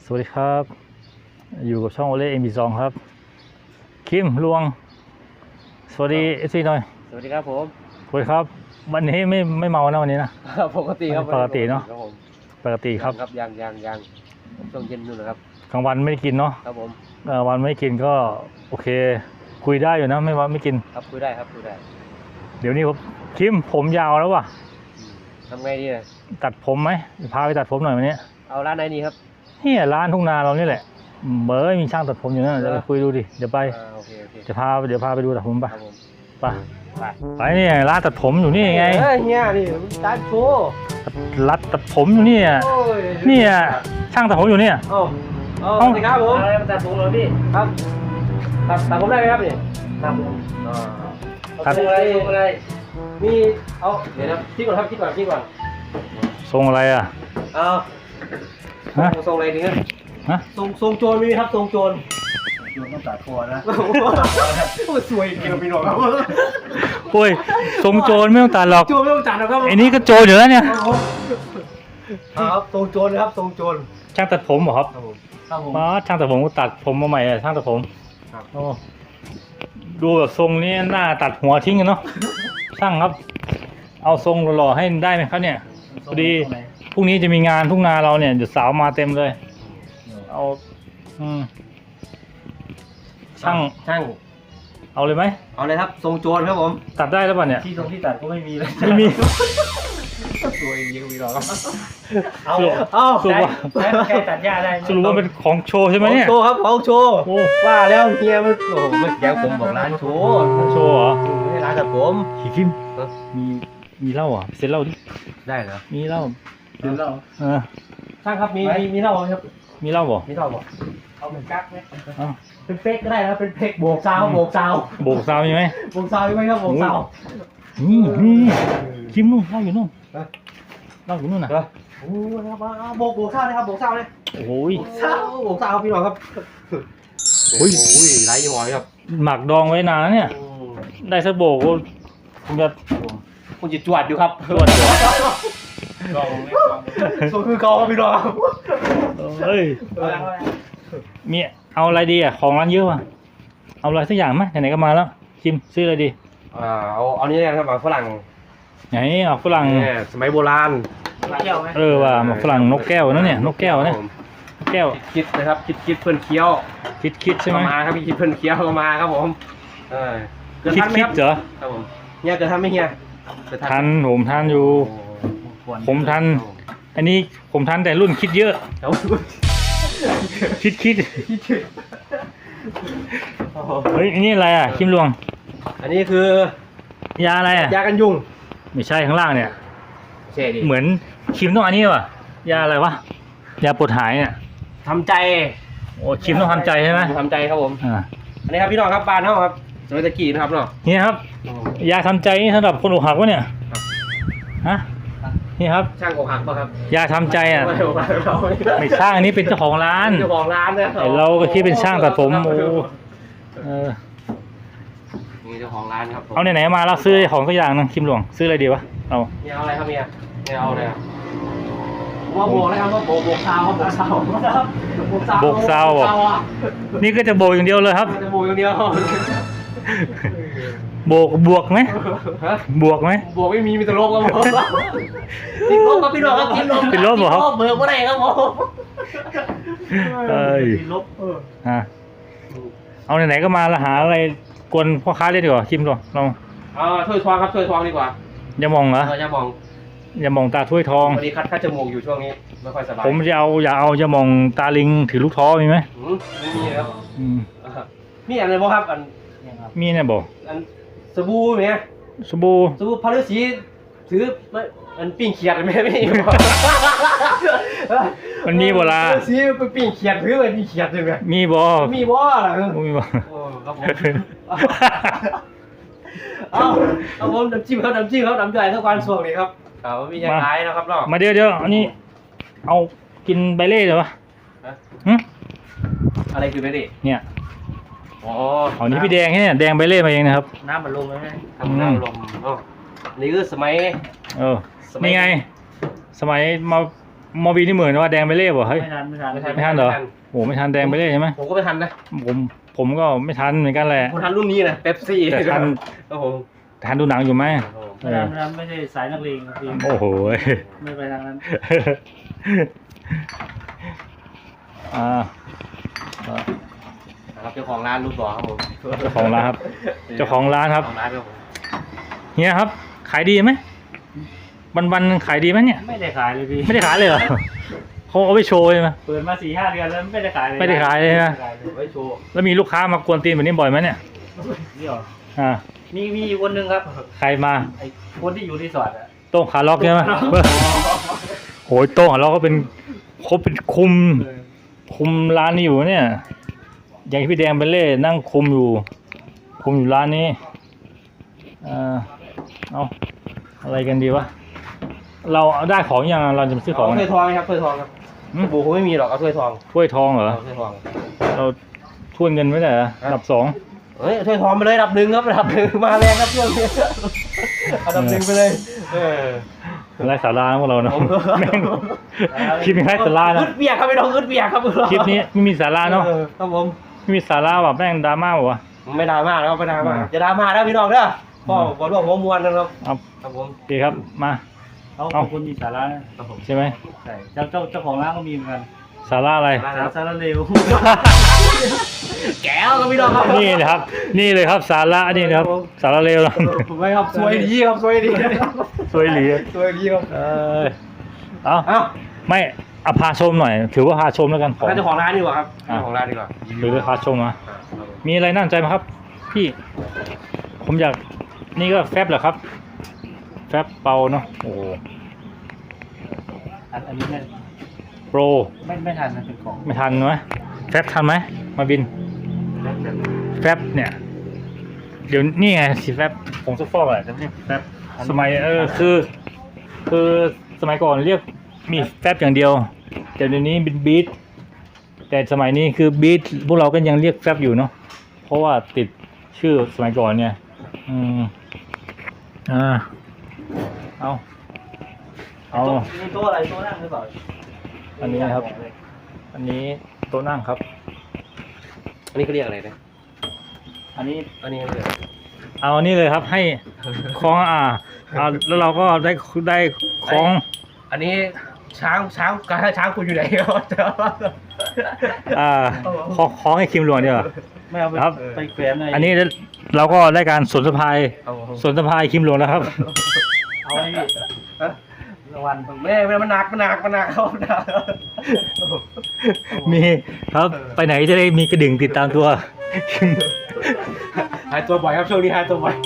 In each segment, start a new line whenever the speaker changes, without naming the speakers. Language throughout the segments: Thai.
สวัสดีครับอยู่กับช่องโอเล่M22ครับคิมลวงสวัสดีFCหน่อย
สวัสดีครับผม
สวัสดีครับวันนี้ไม่เมานะวันนี้นะ
ปกติครับ
ปกติเนาะปกติครับ
ยังช่วงเย็นนู่นนะครับ
กลางวันไม่ได้กินเนาะ
ครับผม
กลางวันไม่กินก็โอเคคุยได้อยู่นะไม่กิน
ครับคุยได้ครับคุยได้
เดี๋ยวนี้คิมผมยาวแล้วว่ะ
ทำไงดีนะ
ตัดผมไหมพาไปตัดผมหน่อยวันนี้
เอาร้านไหนดีครับ
นี่ร้านทุ่งนาเรานี่แหละเบอร์มีช่างตัดผมอยู่นั่นเดี๋ยวไปคุยดูดิเดี๋ยวไปเดี๋ยวพาไปดูตัดผมไปนี่ร้านตัดผมอยู่นี่ไง
เฮียนี่ร้านโชว์
ร้านตัดผมอยู่นี่นี่ช่างตัดผมอยู่นี่
สวัสดีครับผมอะไรมาตัดผมเหรอพี่ครับตัดผมได้ไหมครับนี่ตัดอะไรมีเอาเดี๋ยวนะคิดก่อนครับคิดก่อน
ทรงอะไรอ่ะ
ทรงอะไรดีเนี่ยทรงโจรมีไหมครับทรงโจรต้องตัดคอนะโอ้สวยจริงๆพี่น้องครับ
โอ้ยทรงโจรไม่ต้องตัดหรอก
โจรไม่ต้องตัดหรอกครับ
ไอ้นี่ก็โจรอยู่แล้วเนี่ย
ครับทรงโจรนะครับทรงโจร
ช่างตัดผมเหรอครับช่างตัดผมก็ตัดผมมาใหม่ช่างตัดผมโอ้ดูแบบทรงนี้หน้าตัดหัวทิ้งกันเนาะช่างครับเอาทรงหล่อๆให้ได้ไหมครับเนี่ยพอดีพรุ่งนี้จะมีงานทุ่งนาเราเนี่ยเดี๋ยวสาวมาเต็มเลยเอาช่างเอาเลยไหม
เอาเลยครับทรงโจรครับผม
ตัดได้แล้วป่ะเนี่ย
ที่ตัดก็ไม่มีเลย
ไม่มี
สวยจริงๆพี่น้องครับ
สรุปว่า
แค่ตัดหญ้าได้
สรุปว่าเป็นของโชว์ใช่ไหมเนี่ย
โชว์ครับของโชว์ว่าแล้วเฮียมันโอ้โหเมื่อกี้ผมบอกร้านโชว์
โชว์เหรอ
ไม่ร้านตัดผม
คิมมีเหล้าอ่ะเซ็นเหล้าดิ
ได้เหรอ
มีเหล้า
ช่างครับมีเหล้าครับ
มีเหล้าบ่
เอาเหมือนกั๊กไหมเป็นเป๊กก็ได้นะเป็นเป๊กโบกซาวมีไหม
โบกซาวมีไหม
ครับโบกซาว
นี่คิมนู่นเหล้าอยู่นู่นน่ะ
โอ้ครับโบกซาวเลยครับโบกซาวเลย
โอ้ย
โบกซาวพี่น้องครับโอ้ยไรยี่ห้อครับ
หมักดองไว้นานแล้วเนี่ยได้สักโบก
คุณจะจวดอยู่ครับ
จวด
ส่วนคือกองพี่น้อง
เฮ้ยมีเอาอะไรดีอ่ะของร้านเยอะว่ะเอาอะไรสักอย่างไหมไหนๆก็มาแล้วคิมซื้ออะไรดี
เอานี้นะครับหมากฝรั่ง
ไหนเอาฝรั่ง
สมัยโบราณ
ว่ะหมากฝรั่งนกแก้วนั่นเนี่ยนกแก้วเนี่ยแก้ว
คิดนะครับคิดเพื่อนเคี้ยว
คิดใช่ไหม
มาครับคิดเพื่อนเคี้ยวก็มาครับผม
คิดเหรอ
ครับผมเนี่ยจะทำไหมเฮีย
ทันผมทันอยู่ผมทันอันนี้ผมทันแต่รุ่นคิดเยอะคิดเฮ้ยอันนี้อะไรอ่ะคิมลวง
อันนี้คือย
าอะไรอ่ะ
ยากันยุง
ไม่ใช่ข้างล่างเนี่ย
ใช่ดิ
เหมือนคิมต้องอันนี้ว่ะยาอะไรวะยาปวดหายเนี่ย
ทำใจ
โอ้คิมต้องทำใจใช่ไหม
ทำใจครับผมอันนี้ครับพี่น้องครับบ้านเขาครับสมัยตะกี้นะครับเนาะ
นี่ครับยาทำใจนี่สำหรับคนอกหักวะเนี่ยฮะนี่ครับ
ช่างอกหักป่ะครับ
ยาทำใจอ่ะไม่ช่างอันนี้เป็นเจ้าของร้าน
เจ้าของร้านเนี่ย
เราก็คิดเป็นช่างตัดผมโอ้
นี่เจ้าของร้านครับ
เอาไหนมาเราซื้อของสักอย่างนึงคิมหลวงซื้ออะไรดีวะ
เอาอะไรครับเนี่ยเอาอะไรว่าโบกเลยครับว่าโบกซาว
นี่ก็จะโบกอย่างเดียวเลยครับ
จะโบกอย่างเดียว
บวกไหมบวก
ไม่มีแต่ลบครับผมติดลบครับพี่น้องครับ
ติดลบเหรอครับ
เบิกไม่ได้ครับผม
ติดลบเอาไหนๆก็มาแล้วหาอะไรกวนพ่อค้าเล่นดีกว่าคิมก่อนลอง
ถ้วยทองครับถ้วยทองดีกว่า
อย่ามองเหรอ
อย่ามอง
ตาถ้วยทอง
พอดีคัดจมูกอยู่ช่วงนี้ไม่ค่อยสบาย
ผมอย่าเอามองตาลิงถือลูกท้อมีไหม
ไม่มีครับมีอะไรบ้างครับ
มีเนี่ยบอก
สบู่ไหม
สบู่
พาฤาษีถือมันปิ้งเขียดไหมไม่
มันมีโบราณ
ซื้อไปปิ้งเขียดถือไปปิ้งเขียดเลยไหม
มีบ่
ครับผมน้ำจิ้มครับน้ำจ่ายเท่ากันส่วนนี้ครับมีอย่างไรนะครับเนาะ
มาเดี๋ยวอันนี้เอากินใบเล่เหรอวะ
อะไรคือใบเล่
เนี่ยเอานี้พี่แดงเนี่ยแดงใบเล่มาเองนะครับ
น้ำมันลมไหมน้ำลมนี่คือสมัย
นี่ไงสมัยมอบีนี่เหมือนว่าแดงไปเล่บ่เฮ้ย
ไม่ทัน
ไม่ทันเหรอโอ้ไม่ทันแดงไปเล่ใช่ไหม
ผมก็ไม่ทันนะ
ผมก็ไม่ทันเหมือนกันแหละ
ผมทันรุ่นนี้นะเป๊ปซี่
แต่ทัน
ครับผม
ทันดูหนังอยู่ไหม
ไม่ทันไม่ใช่สายนักเลงทีม
โอ้โห
ไม่ไปทางนั้น
ครับเจ้าของร้านรูปหล่อครับผม
เจ้าของร้านครับ เจ้าของร้านครับ
ของร้านครับผม
เฮียครับ ขายดีไหมวันขายดีไหมเนี่ย
ไม่ได้ขายเลยพี่
ไม่ได้ขายเลยเหรอเขาเอาไปโชว์ใช่ไหม
เปิดมา 4-5 เดือนแล้วไม่ได้ขายเลย
ไม่ได้ขายเลยนะ
ไม่ได้ขายเลย
ไว้โชว์
แล้วมีลูกค้ามากวนตีนแบบนี้บ่อยไหมเนี่ย
นี่หรอ
อ่า
มีอยู่คนหนึ่งครับ
ใครมา
ไอ้คนที่อยู่รีสอร์ทอะ
โต้งขาล็อกใช่ไหมโหยโต้งขาล็อกก็เป็นเขาเป็นคุมร้านนี้อยู่เนี่ย อย่างที่พี่แดงไปเล่นั่งคุมอยู่ร้านนี้เอาอะไรกันดีวะเราเอาได้ของยังเราจะไปซื้อของ
ถ้วยทองครับถ้วยทองครับสบู่คงไม่มีหรอกเอาถ้วยทอง
ถ้วยทองเหรอ
เอาถ้วยทอง
เราถ้วยเงินไว้ไหนอะอันดับ2
เฮ้ยถ้วยทองไปเลยอันดับหนึ่งครับอันดับหนึ่งมาแรงครับช่วงนี้อันดับหนึ่งไปเลย
ไร้สาระนะพวกเราเนาะ
ผม
แม่งคลิปนี้ไร้สาระนะ
อึดเบียกครับไม่ต้องอึดเบียกครับ
คลิปนี้ไม่มีสาระเนาะ
ครับผม
ไม่มีสาระแบบแม่งดราม่าบอกว่า
ไม่ดราม่าแล้วไม่ดราม่าจะดราม่าแล้วพี่น้องเด้อพ่อบอลร่วงหัวมวนนะครับ
เอา
ครับผม
โอเคครับมา
เขาคนมีสาระนะครับ
ผม
ใช่ไหม
ใช่เจ้าของร้านก็มีเหมือนกัน
สาระอะไร
สาระเร็ว
แก้วครับพี่น้องครับ
นี่นะครับ นี่เลยครับสาระนี่นะครับ สาระเลวนะ
ไม่ครับสวยดีครับสวยดี
สวยหลี
สวยดีครับ
เอา
เอ้า
ไม่เอาพาชมหน่อย ถือว่าพาชมแล้วกันของ
เจ้าของร้านดีกว่าครับเจ้าของร้านดีกว่า
หรือพาชมนะมีอะไรน่าสนใจไหมครับ พี่ ผมอยากนี่ก็แฟบเหรอครับ แฟบเปาเนาะโอ้โห
อันนี้เนี่ย
โปร
ไม่ทันนะเป็นของ
ไม่ทันไหมแฟบทันไหมมาบิน แฟบเนี่ย เดี๋ยวนี่ไงสีแฟบผงซักฟอกอะไรจะเรียกแฟบสมัยคือสมัยก่อนเรียกมีแฟบอย่างเดียวแต่เดี๋ยวนี้เป็นบีทแต่สมัยนี้คือบีทพวกเราก็ยังเรียกแฟบอยู่เนาะเพราะว่าติดชื่อสมัยก่อนเนี่ยเอา
นี่โต๊ะอะไรโต๊ะนั่งหรือเปล่า
อันนี้นะครับ อันนี้โต๊ะนั่งครับ
อันนี้เขาเรียกอะไรนะ
อันนี้
อันนี้เขาเรียก
เอาอันนี้เลยครับให้คล้องเอาแล้วเราก็ได้คล้อง
อันนี้ช้างคุณอยู่ไหนครับ
คล้องให้คิมหลวงเดียวา
ไม่เอาไป
ครับ
ไปแขวนอะไร
อันนี้เราก็ได้การสนสะพายคิมหลวงแล้วครับ
เอาไว้พี่รางวัล
แม่มันหนักเขาหนัก
มีครับไปไหนจะได้มีกระดิ่งติดตามตัว
หายตัวบ่อยครับช่วงนี้หายตัวบ่อย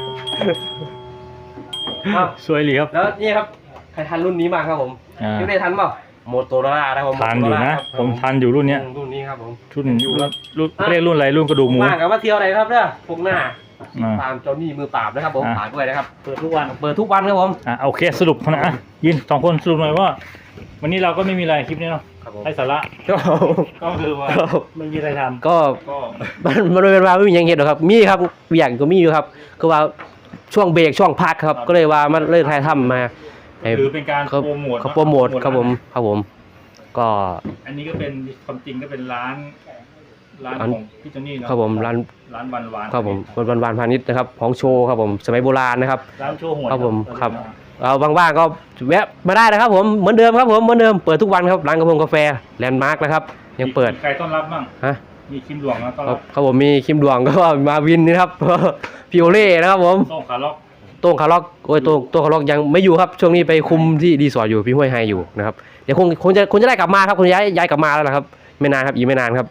สวยหลีครับ
แล้วนี่ครับใครทันรุ่นนี้มางครับผมยังได้ทันเปล่าโมโตโรล่านะครับผม
ทันอยู่นะ ผมทันอยู่รุ่นเนี้ย
รุ่นนี้ครับผม
รุ่นเรียกรุ่นอะไรรุ่นกระดูกหมู
มากกับว่าเที่ยวอะไรครับเนี่ยพวกหน้า
อ่า
ตามเจ้าหนี้มือปราบนะครับผม
อ่า
ฝากด้วยนะครับ
เปิดทุกวัน
เปิดทุกวันครับผม
โอเคสรุปนะยิน2 คนสรุปหน่อยว่า วันนี้เราก็ไม่มีอะไรคลิปนี้เนาะ
ครับผม
ไร้สาระ
ก็คือว่าไม่มีอะไรทำ
ก็ มันเป็นว่าไม่มีอย่างเห็นหรอกครับมีครับอย่างก็มีอยู่ครับก็ว่าช่วงเบรกช่วงพักครับก็เลยว่ามันเลยถ่ายทำมาให้
หรือเป็นการ
เขา
โปรโมท
เขาโปรโมทครับผมก็
อันนี้ก็เป็นความจริงก็เป็นร้าน
ร้าน
ของพี่โจนี่เนาะ
ครับผมร้าน
ร้านวันวาน
ครับผมวันพาณิชย์นะครับของโชว์ครับผมสมัยโบราณนะครับ
ร้านโชว์หวย
ครับผมครับ เอาว่างๆก็แวะมาได้นะครับผมเหมือนเดิมครับผมเหมือนเดิมเปิดทุกวันครับร้านกาแฟแลนด์มาร์กนะครับยังเปิด
ใครต้อนรับบ้าง
ฮะ
มีคิมหลวงนะต้อน
ครั
รั
บบ ครับผมมีคิมดวงก็มาวินนี่ครับ พิโอเล่นะครับผม
โต้งขาล็อก
โต้งคาร์ล็อกโอ้ยโต้งคาร์ล็อกยังไม่อยู่ครับช่วงนี้ไปคุมที่รีสอร์ทอยู่พี่ห้วยไฮอยู่นะครับเดี๋ยวคงจะได้กลับมาครับคงย้ายกลับมาแล้วนะครับไม่นานครับอีกไม่นานครับ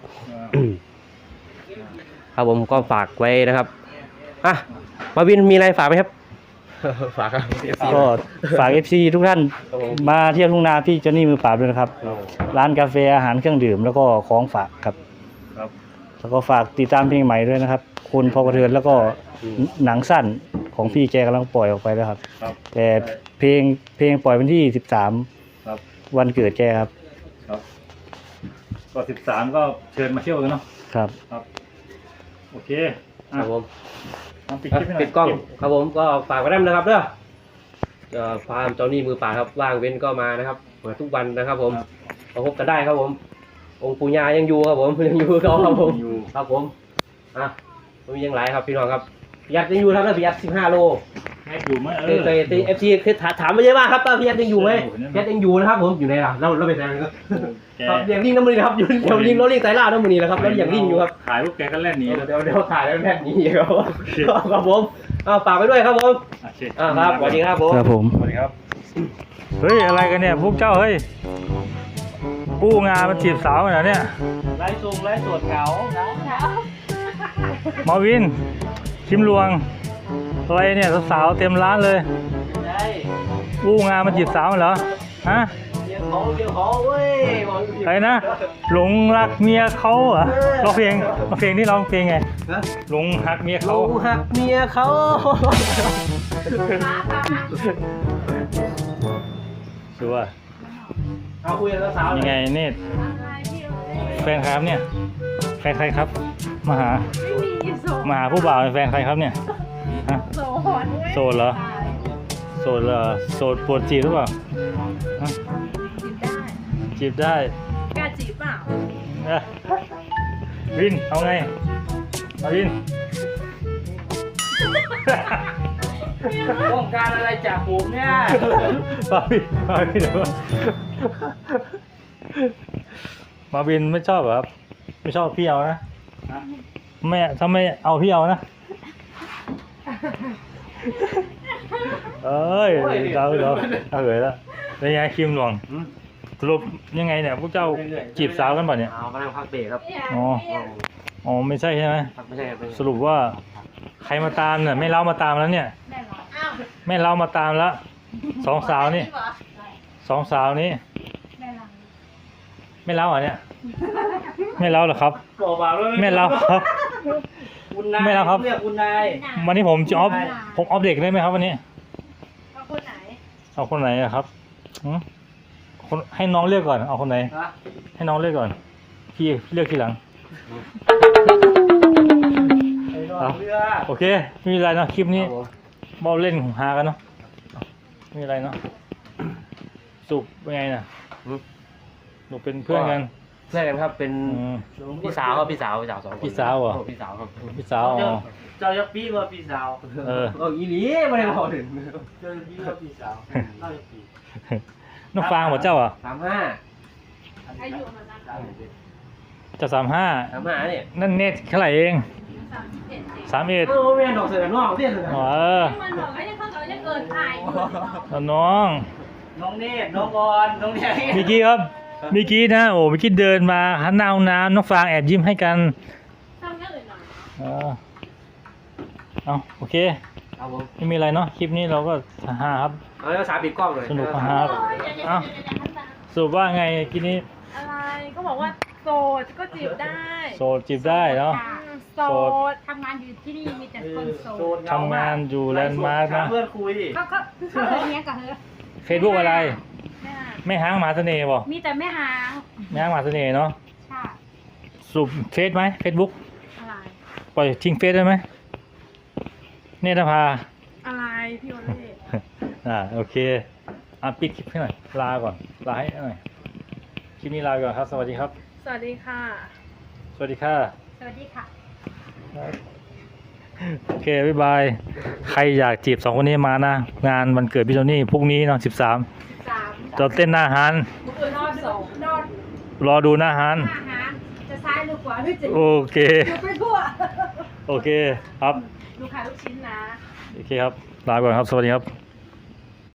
ครับผมก็ฝากไว้นะครับมาวินมีอะไรฝากไหมครับ ฝากครับ
ก็ฝาก FC ทุกท่านมาเที่ยวทุ่งนาพี่เจนนี่มือปราบด้วยนะครับ ร้านกาแฟอาหารเครื่องดื่มแล้วก็ของฝากครับ
ครับ
แล้วก็ฝากติดตามเพลงใหม่ด้วยนะครับ คุณพอกระเทือนแล้วก็หนังสั้นของพี่แกกำลังปล่อยออกไปแล้วครับ
ครับ
แต่เพลงปล่อยวันที่13
ครับ
วันเกิดแกครับ
ครับก็13ก็เชิญมาเที่ยวกันเนาะ
ครับ
โอเค
ครับผม
ปิดคลิปให้หน่อย
ปิดกล้องครับผมก็ฝากไว้ด้วยนะครับเด้อฟาร์มเจ้าหนี้มือป่าบครับว่างเว้นก็มานะครับเปิดทุกวันนะครับผมมาพบกันได้ครับผมองค์ปู่ย่ายังอยู่ครับผมยังอยู่เขาครับผมครับผมมันมียังหลายครับพี่น้องครับพี่ยัดยังอยู่ครับแล้วพี่ยัด15 โล
แค่อยู่ไหม
เคยFC คือถามมาเยอะมากครับว่าพี่ยัดยังอยู่ไหมพี่ยัดยังอยู่นะครับผมอยู่ไหนล่ะเราไปแซงครับอย่างลิงน้ำมันนะครับอยู่เดี๋ยวลิงเราลิงสายล่าน้ำมันนี่นะครับแล้วอย่างลิงอยู่ครับ
ขายพวกแกก็เล่นหนี
เดี๋ยวถ่ายแล้วแบบนี้ครับครับผมฝากไปด้วยครับผม ครับสวัสดีครับผม
ครับผม
สวัสดีครับเฮ้ยอะไรกันเนี่ยพวกเจ้าเฮ้ยกู้งานมาจีบสาวกันเหรอเนี่ย
ไล่ทรงไล่สวดเขานะ
มาวินชิมลวงอะไรเนี่ยสาวๆเต็มร้านเลย
ใช่
กู้งานมาจีบสาวกันเหรอฮะ
เดี๋ยวเขาเว้ย
ใครนะหลงรักเมียเขาเหรอร้องเพลงนี่ร้องเพลงไงหลงรักเมียเขา
เขาหักเมียเขา
ชัวร์
เอาคุยกับสาวๆ
ยังไงเนตแฟนใครครับเนี่ยแฟนใครครับมาหา
ไม่มีโสด
มาหาผู้บ่าวเป็นแฟนใครครับเนี่ยฮะ
โสด
โสดเหรอ โสดเหรอโสดปวดจีบหรือเปล่าฮะ
จีบได้
จีบได้
กล้าจีบเปล่า
เอ้ยวินเอาไงมาวิน
ต้องการอะไรจากผมเนี่ย
มาวินเดี๋ยวมาวินไม่ชอบเหรอครับไม่ชอบพี่เอานะไม่ถ้าไม่เอาพี่เอานะเอ้ยเราเหยแล้วเป็นไงคิมหลวงสรุปยังไงเนี่ยพวกเจ้าจีบสาวกันป่ะเนี่ย
เอากำลังพักเบรกครับ
อ๋อไม่ใช่ใช่ไหม
ไม่ใช่ครับ
สรุปว่าใครมาตามเนี่ยไม่เล่ามาตามแล้วเนี่ย
ได้เหรออ้าว
ไม่เล่ามาตามแล้วสองสาวนี่สองสาวนี้
ได้เหรอ
ไม่เล่าอ่ะเนี่ยไม่เล่าหรอครับ
บอกว่าเลย
ไม่เล่าครับ
คุณนาย
ไม่เอาครับ
เรียกคุณนาย
วันนี้ผมจะออฟเด็กได้ไหมครับวันนี้
เอาคนไหน
เอาคนไหนอะครับหืมคนให้น้องเลือกก่อนเอาคนไหน
ฮะ
ให้น้องเลือกก่อนพี่เลือกทีหลัง
ไอ้นอนเรือ
โอเคไม่มีอะไรเนาะคลิปนี้
ครับผม
เบาเล่นหากันเนาะไม่มีอะไรเนาะสุกเป็นไงน่ะหนูเป็นเพื่อนกัน
เพื่อนกันครับเป็น
อืม
พี่สาวครับพี่สาวสองคน
พี่สาวเหรอ
พี่สาวครับ
พี่สาวอ๋อ
เจ้ายักษ์ปีว่าพี่สาว
เออ
อีหลีไม่ได้บอกถึง
เจ้ายักษ์ปีว่าพี่สาวเจ้ายักษ์ปี
น้องฟางหมดเจ้าอ่ะ
35
อายุเหมือนกัน
จะ35
35เนี่ย
นั่นเน็ตเท่าไหร่เอง
31เอง
31
แม่ดอกเสือนอกเสียเลย
อ๋อ
มันบอกว่ายังเขาจะเกินอายอยู่
แล้วน้อง
น้องเนตรน้องบอลน้องแดง
เมื่อกี้ครับเมื่อกี้นะโอ้เมื่อกี้เดินมาหันหน้าห้องน้ำน้องฟางแอบยิ้มให้กัน
ทำเยอะเลยหน่อย
เอาโอเค
ครับผม
ไม่มีอะไรเนาะคลิปนี้เราก็ฮาครับ
เอาแล้วสาปิดกล้องเลย
สนุกมากครับ เอ้า สรุปว่าไงกินนี้
อะไรก็บอกว่าโสดก็จีบได้
โสดจีบได้เนาะ
โสดทำงานอยู่ที่นี่มีแต่คนโสด
ทำงานอยู่แลนด์มาร์คนะ
เพื่อนคุย
ก็เลยเนี้ยกับเธอ
เฟซบุ๊กอะไร
แม่
ไม่ห้างหมาเสน่ห์บ่
มีแต่แม่หาง
ไม่ห้างหมาเสน่ห์เนาะ
ใช่
สรุปเฟซไหมเฟซบุ๊ก
อะไร
ปล่อยทิ้งเฟซได้ไหมเนตรภา
อะไรพี่โอเล่
โอเคปิดคลิปให้หน่อยลาก่อนลาให้หน่อยคลิปนี้ลาก่อนครับ สวัสดีครับ
สวัสดีค่ะ
สวัสดีค่ะ
สวัสดีค่ะ
โอเค บ๊ายบาย ใครอยากจีบสองคนนี้มานะ งานวันเกิดพี่โทนี่พรุ่งนี้เนาะ13
3
จะเต้นหน้าฮาน
บุกนอน2นอน
รอดูหน้าฮาน
อาหารจะซ้ายหรือขวาพี่จิ๋ว
โอเค
อยู่ไปทั่ว
โอเคครับ
ดูขายลูกชิ้นนะ
โอเคครับ ลาก่อนครับ สวัสดีครับ